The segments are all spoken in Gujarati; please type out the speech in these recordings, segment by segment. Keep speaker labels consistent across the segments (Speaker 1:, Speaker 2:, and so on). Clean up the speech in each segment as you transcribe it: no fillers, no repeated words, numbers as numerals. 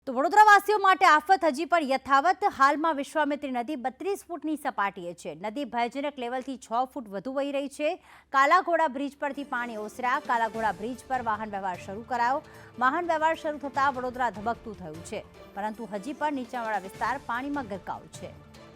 Speaker 1: તો વડોદરાવાસીઓ માટે આફત હજી પણ યથાવત। હાલમાં વિશ્વામિત્રી નદી 32 ફૂટની સપાટીએ છે। નદી ભયજનક લેવલથી 6 ફૂટ વધુ વહી રહી છે। કાલાઘોડા બ્રિજ પરથી પાણી ઓસર્યા। કાલાઘોડા બ્રિજ પર વાહન વ્યવહાર શરૂ કરાયો। વાહન વ્યવહાર શરૂ થતાં વડોદરા ધબકતું થયું છે, પરંતુ હજી પણ નીચાણવાળા વિસ્તાર પાણીમાં ગરકાવ છે।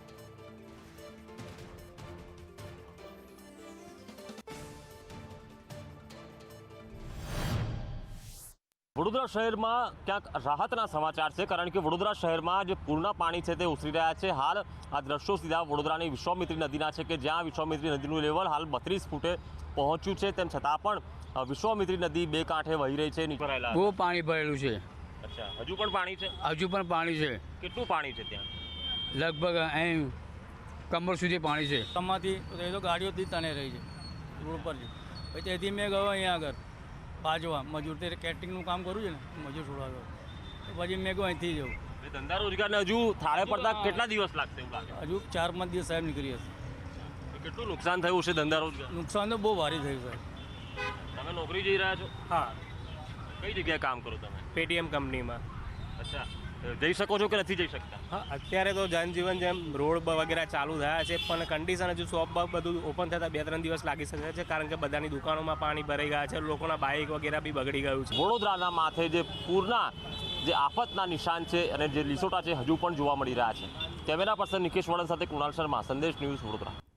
Speaker 2: વડોદરા શહેરમાં ક્યાંક રાહતના સમાચાર છે, કારણ કે વડોદરા શહેરમાં જે પૂરના પાણી છે તે ઓસરી રહ્યા છે। હાલ આ દ્રશ્યો સીધા વડોદરાની વિશ્વામિત્રી નદીના છે કે જ્યાં વિશ્વામિત્રી નદીનું લેવલ હાલ 32 ફૂટે પહોંચ્યું છે। તેમ છતાં પણ વિશ્વામિત્રી નદી બે કાંઠે વહી રહી છે।
Speaker 3: બહુ પાણી ભરેલું છે।
Speaker 2: અચ્છા, હજુ પણ પાણી છે?
Speaker 3: હજુ પણ પાણી છે।
Speaker 2: કેટલું પાણી છે ત્યાં?
Speaker 3: લગભગ અહીં કમર સુધી પાણી છે।
Speaker 4: કમરથી એ તો ગાડીઓથી તને રહી છે રોડ પર છે। પછી તેથી મેં ગયો અહીંયા આગળ બાજવા મજૂર તે કેટરિંગનું કામ કરું છે ને, મજૂર છોડાવ્યો પછી મેં કહું અહીંથી જવું।
Speaker 2: ધંધા રોજગારને હજુ થાળે પડતા કેટલા દિવસ લાગશે એવું લાગે?
Speaker 4: હજુ 4-5 દિવસ સાહેબ નીકળી હશે।
Speaker 2: કેટલું નુકસાન થયું છે ધંધા રોજગાર?
Speaker 4: નુકસાન તો બહુ ભારે થયું સાહેબ।
Speaker 2: તમે નોકરી જઈ રહ્યા છો?
Speaker 5: હા,
Speaker 2: કઈ જગ્યાએ કામ કરો તમે?
Speaker 5: પેટીએમ કંપનીમાં।
Speaker 2: અચ્છા, જઈ શકો છો કે નથી જઈ શકતા?
Speaker 5: હા, અત્યારે તો જનજીવન જેમ રોડ વગેરે ચાલુ થયા છે, પણ કન્ડિશન હજુ શોપ બધું ઓપન થતાં 2-3 દિવસ લાગી શકે છે, કારણ કે બધાની દુકાનોમાં પાણી ભરાઈ ગયા છે, લોકોના બાઇક વગેરે બી બગડી ગયું છે।
Speaker 2: વડોદરાના માથે જે પૂરના જે આફતના નિશાન છે અને જે લીસોટા છે હજુ પણ જોવા મળી રહ્યા છે। કેમેરા પર્સન નિકેશ વડન સાથે કુણાલ શર્મા, સંદેશ ન્યૂઝ, વડોદરા।